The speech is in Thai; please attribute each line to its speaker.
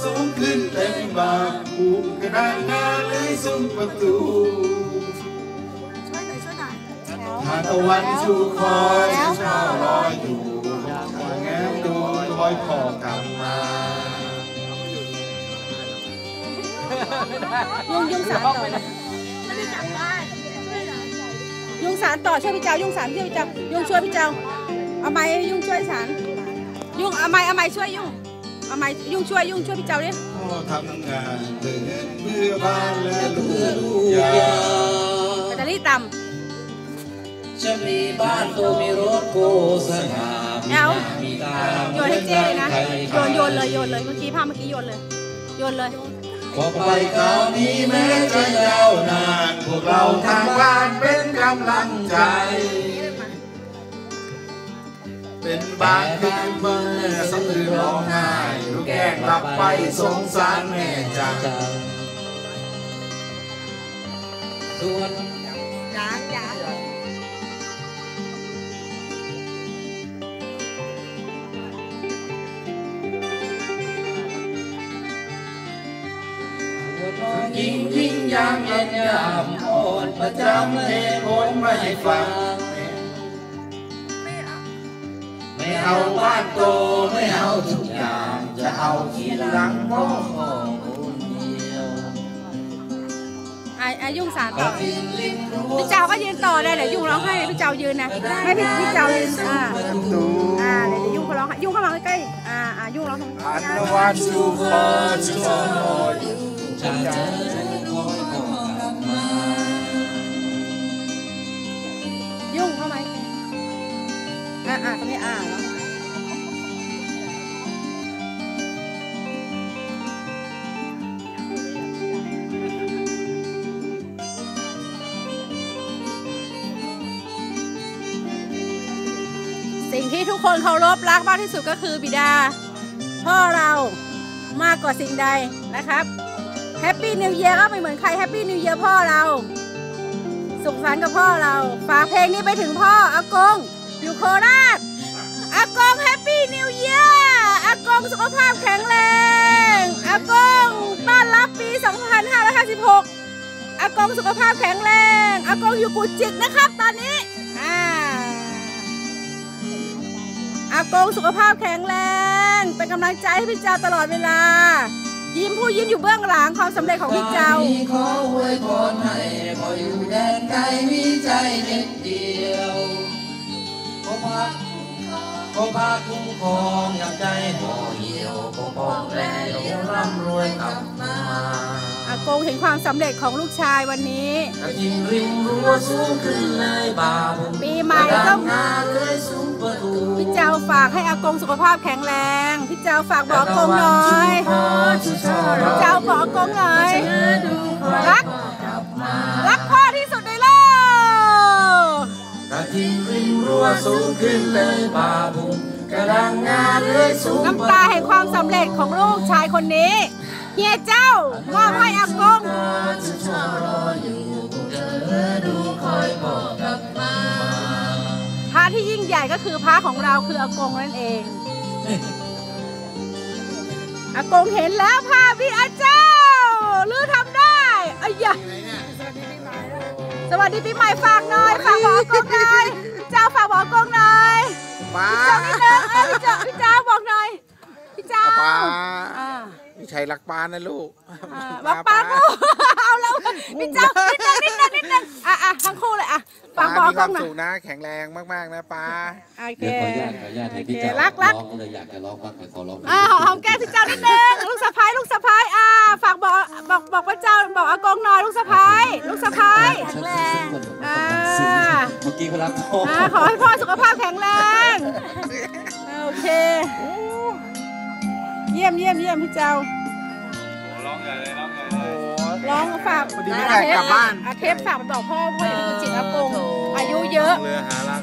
Speaker 1: สูงขึ้นเต็มบางภูมิกระดานหน้าเลยซุ้มประตูทานตะวันชูคอยช่อลอยอยู่แง้มดูคอยพอกลับมา
Speaker 2: ยุ่งสารต่อยุ่งสารต่อช่วยพี่เจ้ายุ่งสารช่วยพี่เจ้ายุ่งช่วยพี่เจ้าเอาไม้ยุ่งช่วยสารยุ่งเอาไม้ช่วยยุ่งเอาไม้ยุ่งช่วยพี่เจ้าดิ
Speaker 1: พ่อทำงานเพื่อบ้านและลูกยา
Speaker 2: แบตเตอรี่ต่
Speaker 3: ำจะมีบ้านตัวมีรถโกสนามีตา
Speaker 2: โยนให้เจ๊เลยนะโยนเลยเมื่อกี้ภาพเมื่อกี้โยนเลย
Speaker 1: พอไปคราวนี้แม้จะยาวนานพวกเราทางบ้านเป็นกำลังใจเป็นบางคืนเมื่อสะอื้นร้องไห้ลูกแกล้งหลับไปสงสารแม่จัง
Speaker 3: ส่วนยิ่งยามเย็นยามอ่อนประจำเหตุผลไม่ฟังไม่เอาบ้านโตไม่เอาทุกอย่างจะเอาที่หลังพ่อของคนเดียว
Speaker 2: ยุ่งสารต่อพี่เจ้าก็ยืนต่อได้เดี๋ยวยุ่งร้องไห้พี่เจ้ายืนนะให้พี่เจ้ายืนเดี๋ยวยุ่งเขาร้องยุ่งเข้ามาใกล้ยุ่งร้อง
Speaker 1: อันวันชูคอชูคอย
Speaker 3: จะเจอคอยพอกลับมา
Speaker 2: ยุ่งเข้าไหมตรงนี้แล้วสิ่งที่ทุกคนเคารพรักมากที่สุดก็คือบิดาพ่อเรามากกว่าสิ่งใดนะครับแฮปปี้นิวเยียร์ก็ไม่เหมือนใครแฮปปี้นิวเยียร์พ่อเราสุขสันต์กับพ่อเราฝากเพลงนี้ไปถึงพ่ออากงอยู่โคราชอากงแฮปปี้นิวเยียร์อากงสุขภาพแข็งแรงอากงต้อนรับปี 2556อากงสุขภาพแข็งแรงอากงอยู่กุจิกนะครับตอนนี้อากงสุขภาพแข็งแรงเป็นกำลังใจให้พี่เจ้าตลอดเวลายิ้มอยู่เบื้องหลังความสำเร็จของพี่เจ้า
Speaker 3: ขออวยพรให้ขออยู่แดนไกลมีใจเด็ดเดียวขอพาคุ้มครองยามใจห่อเหี่ยวขอปองแรงร่ำรวยกลับมา
Speaker 2: อากงเห็นความสำเร็จของลูกชายวันนี้
Speaker 3: กระทิงริมรั้วสูงขึ้นเลยบ่าว
Speaker 2: ปีใหม่ต้องพี่เจ้าฝากให้อากงสุขภาพแข็งแรงพี่เจ้าฝากบอกอากงหน่อยพี่เจ้าบอกอากงหน่อยรักพ่อที่สุดในโลก
Speaker 3: กระทิงริมรั้วสูงขึ้นเลยบ่าวกระดังงานเลยสูง
Speaker 2: น้ำตาแห่งความสำเร็จของลูกชายคนนี้เฮียเจ้ามอบให้อากงพระที่ยิ่งใหญ่ก็คือพระของเราคืออากงนั่นเองอากงเห็นแล้วภาพพี่อาเจ้าลือทำได้อ้ยะสวัสดีปีใหม่ฝากหน่อยฝากบอกอากงหน่อยเจ้าฝากบอกอากงหน่อยพี่เจ้านิดนึงพี่เจ้าบอกหน่อยพี่เจ้า
Speaker 1: พี่ชัยรักปานะลูก
Speaker 2: รักปาลูกเอาแล้วพี่เจ้านิดนึงทั้งคู่เลยฝากบอกกันหน่อย
Speaker 1: นะแข็งแรงมากๆนะป้า
Speaker 2: โอเค
Speaker 3: ขออนุญาตให้พี่เจ้าร้องเลยอยากจะร้องบ้างขอร้อง
Speaker 2: หอมแก้มพี่เจ้านิดนึงลูกสะพ้ายฝากบอกพระเจ้าบอกอากงหน่อยลูกสะพ้ายแข็งแรง
Speaker 3: เมื่อกี้เขารักพ่อ
Speaker 2: ขอให้พ่อสุขภาพแข็งแรงโอเคเยี่ยมพี่เจ้า
Speaker 1: ร้องใหญ่เลย
Speaker 2: ร้องฝาก
Speaker 1: กลับบ้าน
Speaker 2: เทปฝากบอกพ่ออย่าลืมจิตอากงอายุเยอะ